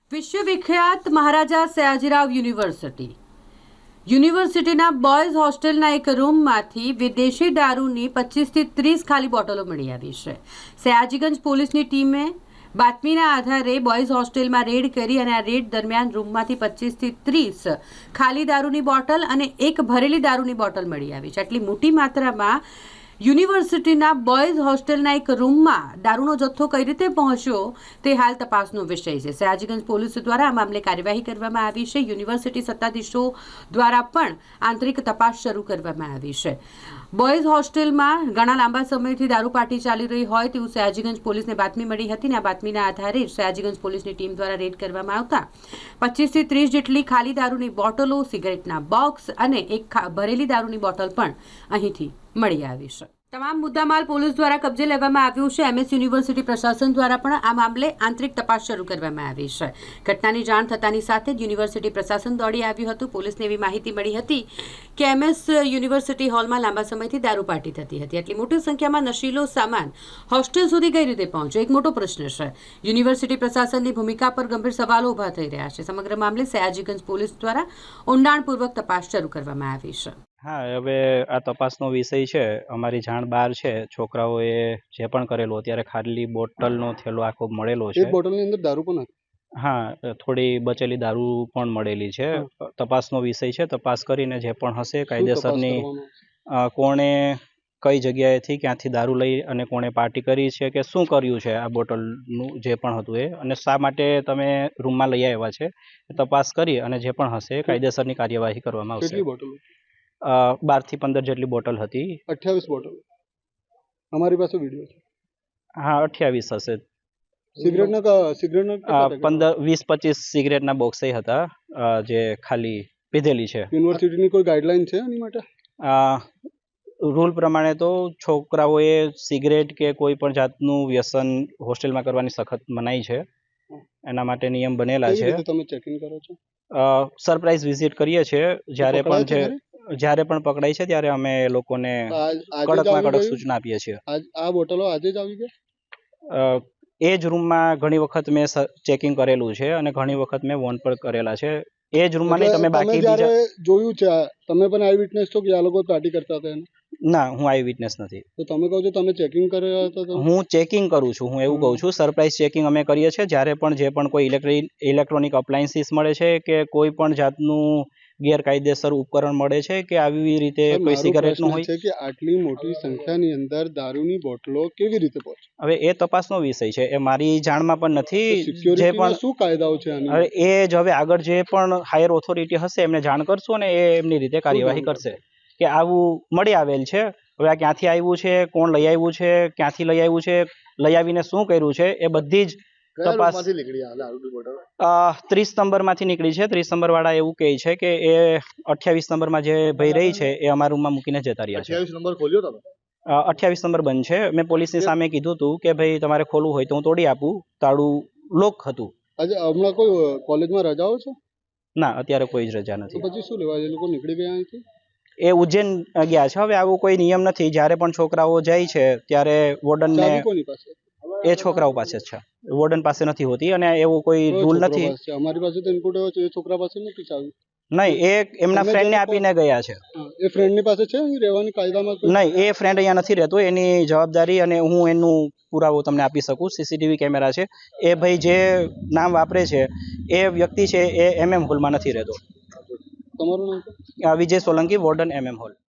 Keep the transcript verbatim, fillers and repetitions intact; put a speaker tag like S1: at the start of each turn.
S1: વિશ્વવિખ્યાત Maharaja Sayajirao university યુનિવર્સિટીના boys હોસ્ટેલના એક રૂમમાંથી વિદેશી દારૂની પચીસથી ત્રીસ ખાલી બોટલો મળી આવી છે। સયાજીગંજ પોલીસની ટીમે બાતમીના આધારે બોયઝ હોસ્ટેલમાં રેડ કરી અને આ રેડ દરમિયાન રૂમમાંથી પચીસથી ત્રીસ ખાલી દારૂની બોટલ અને એક ભરેલી દારૂની બોટલ મળી આવી છે। આટલી મોટી માત્રામાં યુનિવર્સિટીના બોયઝ હોસ્ટેલના એક રૂમમાં દારૂનો જથ્થો કઈ રીતે પહોંચ્યો તે હાલ તપાસનો વિષય છે। સયાજીગંજ પોલીસ દ્વારા આ મામલે કાર્યવાહી કરવામાં આવી છે। યુનિવર્સિટી સત્તાધીશો દ્વારા પણ આંતરિક તપાસ શરૂ કરવામાં આવી છે। બોયઝ હોસ્ટેલમાં ઘણા લાંબા સમયથી દારૂ પાર્ટી ચાલી રહી હોય તેવું સયાજીગંજ પોલીસને બાતમી મળી હતી અને આ બાતમીના આધારે સયાજીગંજ પોલીસની ટીમ દ્વારા રેડ કરવામાં આવતા પચીસથી ત્રીસ જેટલી ખાલી દારૂની બોટલો, સિગરેટના બોક્સ અને એક ભરેલી દારૂની બોટલ પણ અહીંથી મળી આવી છે। તમામ મુદ્દામાલ પોલીસ દ્વારા કબજે લેવામાં આવ્યું છે। એમએસ યુનિવર્સિટી પ્રશાસન દ્વારા પણ આ મામલે આંતરિક તપાસ શરૂ કરવામાં આવી છે। ઘટનાની જાણ થતાની સાથે જ યુનિવર્સિટી પ્રશાસન દોડી આવ્યું હતું। પોલીસને એવી માહિતી મળી હતી કે એમએસ યુનિવર્સિટી હોલમાં લાંબા સમયથી દારૂ પાર્ટી થતી હતી। આટલી મોટી સંખ્યામાં નશીલો સામાન હોસ્ટેલ સુધી કઈ રીતે પહોંચ્યો એક મોટો પ્રશ્ન છે। યુનિવર્સિટી પ્રશાસનની ભૂમિકા પર ગંભીર સવાલો ઊભા થઈ રહ્યા છે। સમગ્ર મામલે સયાજીગંજ પોલીસ દ્વારા ઊંડાણપૂર્વક તપાસ શરૂ કરવામાં આવી છે।
S2: હા, હવે આ તપાસનો વિષય છે। અમારી જાણ બહાર છે છોકરાઓએ જે પણ કરેલું અત્યારે ખાલી બોટલનો થેલો આખો મળેલો છે।
S3: એક બોટલની અંદર દારૂ પણ હતી।
S2: હા, થોડી બચેલી દારૂ પણ મળેલી છે। તપાસનો વિષય છે। તપાસ કરીને જે પણ હશે કાયદેસરની કોણે કઈ જગ્યાએથી ક્યાંથી દારૂ લઈ અને કોણે પાર્ટી કરી છે કે શું કર્યું છે આ બોટલનું જે પણ હતું એ અને શા માટે તમે રૂમમાં લઈ આવ્યા છે તપાસ કરી અને જે પણ હશે કાયદેસરની કાર્યવાહી કરવામાં આવશે।
S3: કેટલી બોટલો?
S2: બાર થી પંદર જેટલી બોટલ હતી।
S3: અઠ્યાવીસ બોટલ અમારી પાસે વિડીયો છે।
S2: હા, અઠ્યાવીસ હશે।
S3: સિગરેટના સિગરેટના
S2: પંદર વીસ પચીસ સિગરેટના બોક્સ હતા જે ખાલી પીધેલી છે।
S3: યુનિવર્સિટીની કોઈ ગાઈડલાઈન છે એની માટે?
S2: રૂલ પ્રમાણે તો છોકરાઓએ સિગરેટ કે કોઈ પણ જાતનું વ્યસન હોસ્ટેલમાં કરવાની સખત મનાઈ છે। એના માટે નિયમ બનેલા છે।
S3: તમે ચેકિંગ કરો છો?
S2: સરપ્રાઈઝ વિઝિટ કરીએ છીએ જ્યારે પણ છે જ્યારે પણ પકડાય છે ત્યારે અમે લોકોને કડકમાં કડક સૂચના આપીએ છીએ।
S3: આ બોટલો આજે જ આવી ગઈ?
S2: એ જ રૂમમાં ઘણી વખત મેં ચેકિંગ કરેલું છે અને ઘણી વખત મેં વોન પર કરેલા છે। એ જ રૂમમાં નહીં, તમે બાકી બીજા
S3: જોયું છે? તમે પણ આઈ વિટનેસ છો કે આ લોકો પાર્ટી કરતા હતા?
S2: ના, હું આઈ વિટનેસ નથી।
S3: તો તમે કહો છો તમે ચેકિંગ કર્યા હતા?
S2: હું ચેકિંગ કરું છું। હું એવું કહું છું સરપ્રાઈઝ ચેકિંગ અમે કરીએ છીએ જ્યારે પણ જે પણ કોઈ ઇલેક્ટ્રિક ઇલેક્ટ્રોનિક અપ્લાયન્સીસ મળે છે કે કોઈ પણ જાતનું ગેરકાયદેસર ઉપકરણ મળે છે કે આવી રીતે કોઈ સિગારેટનું હોય
S3: છે કે આટલી મોટી સંખ્યાની અંદર દારૂની બોટલો કેવી રીતે પહોંચે?
S2: હવે એ તપાસનો વિષય છે। એ મારી જાણમાં પણ નથી। જે પણ
S3: શું કાયદાઓ છે
S2: હવે એ જ હવે આગળ જે પણ હાયર ઓથોરિટી હશે એમને જાણ કરશો ને એ એમની રીતે કાર્યવાહી કરશે કે આવું મળી આવેલ છે। હવે આ ક્યાંથી આવ્યું છે, કોણ લઈ આવ્યું છે, ક્યાંથી લઈ આવ્યું છે, લઈ આવીને શું કર્યું છે, એ બધી જ તપાસ ત્રીસ નંબર માંથી નીકળી છે। ત્રીસ નંબર વાળા એવું કહે છે કે એ અઠ્યાવીસ નંબરમાં જે ભાઈ રહી છે એ અમારા રૂમમાં મૂકીને જતા રહ્યા છે।
S3: અઠ્યાવીસ નંબર ખોલ્યો તમે?
S2: અઠ્યાવીસ નંબર બંધ છે। મેં પોલીસની સામે કીધું હતું કે ભાઈ તમારે ખોલવું હોય તો હું તોડી આપું, તાળું લોક હતું।
S3: આજે હમણાં કોઈ કોલેજમાં રજાઓ છે?
S2: ના, અત્યારે કોઈ જ રજા નથી।
S3: પછી શું લેવા એ લોકો નીકળી ગયા અહીંથી?
S2: એ ઉજ્જૈન ગયા છે। હવે આવો કોઈ નિયમ નથી। જ્યારે પણ છોકરાઓ જાય છે ત્યારે વોર્ડનને એ છોકરાઓ પાસે જ છે, વોર્ડન પાસે નથી હોતી અને એવું કોઈ રૂલ નથી।
S3: અમારી પાસે તો ઇનપુટ એવો છે એ છોકરા પાસે નથી ચાવી?
S2: નહીં, એ એમના ફ્રેન્ડને આપીને ગયા છે।
S3: એ ફ્રેન્ડની પાસે છે રહેવાની કાયદામાં?
S2: નહીં, એ ફ્રેન્ડ અહીંયા નથી રહેતો। એની જવાબદારી અને હું એનું પુરાવો તમને આપી શકું। સીસીટીવી કેમેરા છે। એ ભાઈ જે નામ વાપરે છે એ વ્યક્તિ છે એ એમએમ હોલમાં નથી રહેતો।
S3: તમારું નામ?
S2: Vijay Solanki, warden MM hall.